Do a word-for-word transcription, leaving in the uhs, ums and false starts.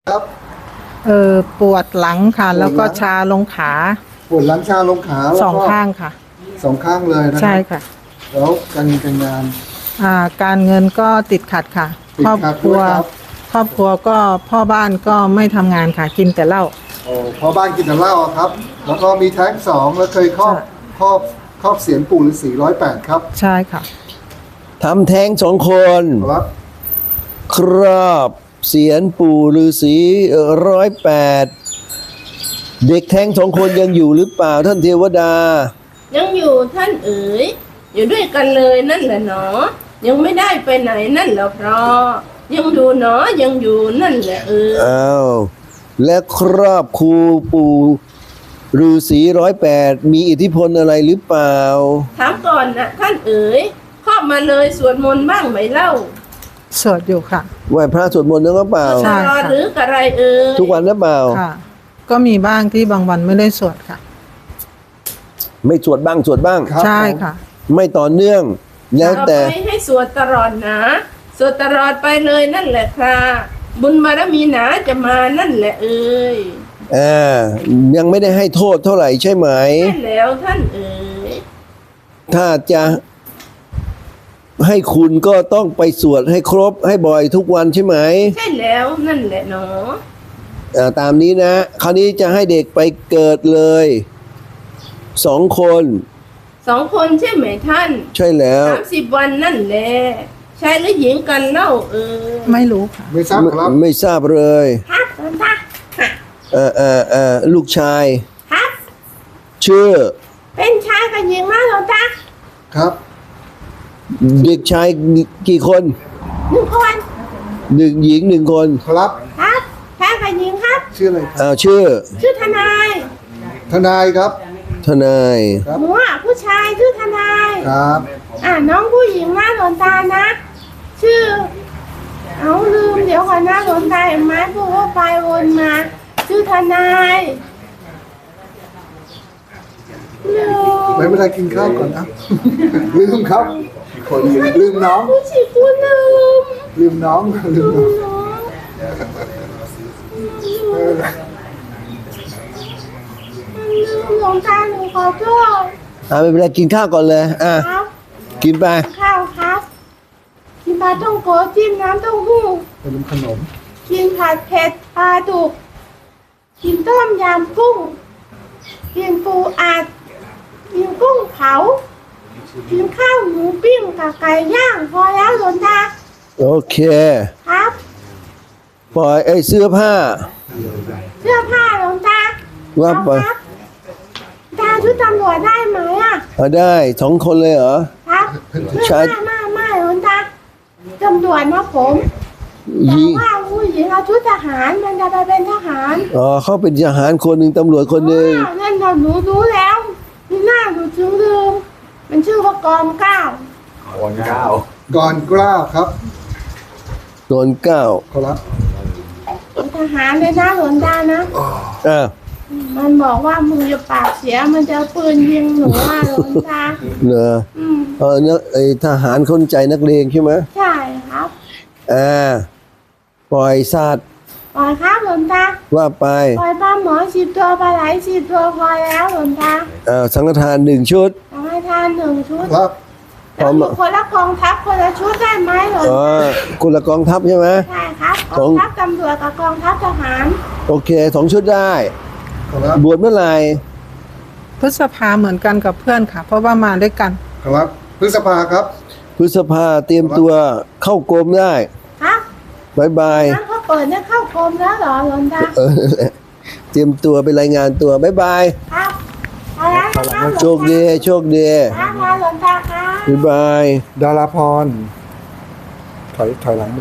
ครับเออปวดหลังค่ะ แล้วก็ชาลงขาปวดหลังชาลงขาแล้วก็สองข้างค่ะสองข้างเลยนะใช่ค่ะแล้วการเงินการงานอ่าการเงินก็ติดขัดค่ะติดครอบขัดครัวด้วยครับครอบครัวก็พ่อบ้านก็ไม่ทำงานค่ะ กินแต่เหล้าโอ้พอบ้านกินแต่เหล้าอะครับ แล้วก็มีแท้งสองแล้วเคยครอบใช่ครอบครอบเสียนปู่ฤาษีร้อยแปดครับใช่ค่ะทำแท้งสองคนครับครอบเสียนปู่ฤาษีร้อยแปดเด็กแท้งสองคนยังอยู่หรือเปล่าท่านเทวดายังอยู่ท่านเอ๋ยอยู่ด้วยกันเลยนั่นแหละเนาะยังไม่ได้ไปไหนนั่นแหละเพราะยังดูเนาะยังอยู่นั่นแหละเอออ้าวและครอบครูปู่ฤาษีร้อยแปดมีอิทธิพลอะไรหรือเปล่าถามก่อนนะท่านเอ๋ยครอบมาเลยสวดมนต์บ้างไหมเล่าสวดอยู่ค่ะไหว้พระสวดมนต์นึกเปล่าใช่ตลอดหรือกระไรเอ๋ยทุกวันหรือเปล่าค่ะ ก็มีบ้างที่บางวันไม่ได้สวดค่ะไม่สวดบ้างสวดบ้างครับใช่ค่ะไม่ต่อเนื่อง แล้วต่อแต่ไปให้สวดตลอดนะสวดตลอดไปเลยนั่นแหละค่ะบุญบารมีหนาจะมานั่นแหละเอ๋ยอ่ายังไม่ได้ให้โทษเท่าไหร่ใช่ไหมใช่แล้วท่านเอ๋ยถ้าจะให้คุณก็ต้องไปสวดให้ครบให้บ่อยทุกวันใช่ไหมใช่แล้วนั่นแหละเนาะอ่าตามนี้นะ คราวนี้จะให้เด็กไปเกิดเลยสองคนสองคนใช่ไหมท่านใช่แล้วสามสิบวันนั่นแหละชายหรือหญิงกันเล่าเอ๋ยไม่รู้ค่ะไม่ทราบไม่ครับไม่ทราบเลยครับหลวงตาเออเออเออลูกชายครับชื่อเป็นชายกับหญิงมาหลวงตาครับเด็กชายกี่คนหนึ่งคนหนึ่งหญิงหนึ่งคนครับครับชายกับหญิงครับชื่ออะไรครับอ้าวชื่อชื่อทนายทนายครับทนายครับหนูอ่ะผู้ชายชื่อทนายครับอ่าน้องผู้หญิงมาหลวงตานะ ชื่อ เอาลืมเดี๋ยวก่อนนะหลวงตาเห็นไหมพูดว่าไปวนมา ชื่อทนายลืมไม่เป็นไรกินข้าวก่อนนะ ลืมครับคนลืมน้องผู้ชิกูลืมลืมน้องลืมลืน้องมน้องเออหลวงตาหนูขอโทษอ่าไม่เป็นไรกินข้าวก่อนเลยอ่ะครับกินไปข้าวครับกินปลาท่องโกจิ้มน้ำเต้าหู้เป็นขนมกินผัดเผ็ดปลาดุกกินต้มยำกุ้งกินปูอัดกินกุ้งเผากินข้าวหมูปิ้งกับไก่ย่างพอแล้วหลวงตาโอเคครับปล่อยไอ้เสื้อผ้าเสื้อผ้าหลวงตาว่าไปเอครับตาชุดตำรวจได้ไหมอ่ะเอาได้สองคนเลยเหรอครับใช่ไม่ไม่ไม่หลวงตาตำรวจนะผมหแต่ญิงว่าผู้หญิงเอาชุดทหารมันจะไปเป็นทหารอ๋อเขาเป็นทหารคนหนึ่งตำรวจคนหนึ่งอ้าวนั่นเราหนูรู้แล้วนี่หน้าหนูถึงลืมมันชื่อว่ากองเก้าก่อนกล้าวครับโดนเก้าครับเป็นทหารเลยนะหลวงตานะอ่ะมันบอกว่ามึงจะปากเสียมันจะเอาปืนยิงหนูอ่ะหลวงตาเหรออืมเออเนี่ยไอ้ทหารคนใจนักเลงใช่ไหมใช่ครับอ่าปล่อยสัตว์ปล่อยครับหลวงตาว่าไปปล่อยปลาหมอสิบตัวปลาไหลสิบตัวพอแล้วหลวงตาอ่าสังฆทานหนึ่งชุดทำให้ทานหนึ่งชุดครับพร้อมแล้วคนละกองทัพคนละชุดได้ไหมหลวงอ๋อตาคนละกองทัพใช่ไหมใช่ครับกสอองงทัพตำรวจกับกองทัพทหารโอเคสองชุดได้ครับบวชเมื่อไหร่พฤษภาเหมือนกันกับเพื่อนค่ะ เพราะว่ามาด้วยกันครับพฤษภาครับพฤษภาเตรียมตัวเข้ากรมได้ครับบายบายนั่นเขาเปิดเนี่ยเข้ากรมแล้วเหรอหลวงตาเออเตรียมตัวไปรายงานตัวบายบายครับเอาละนะครับโชคดีโชคดีครับมาหลวงตาครับบายบายดาราพร ถอยถอยหลัง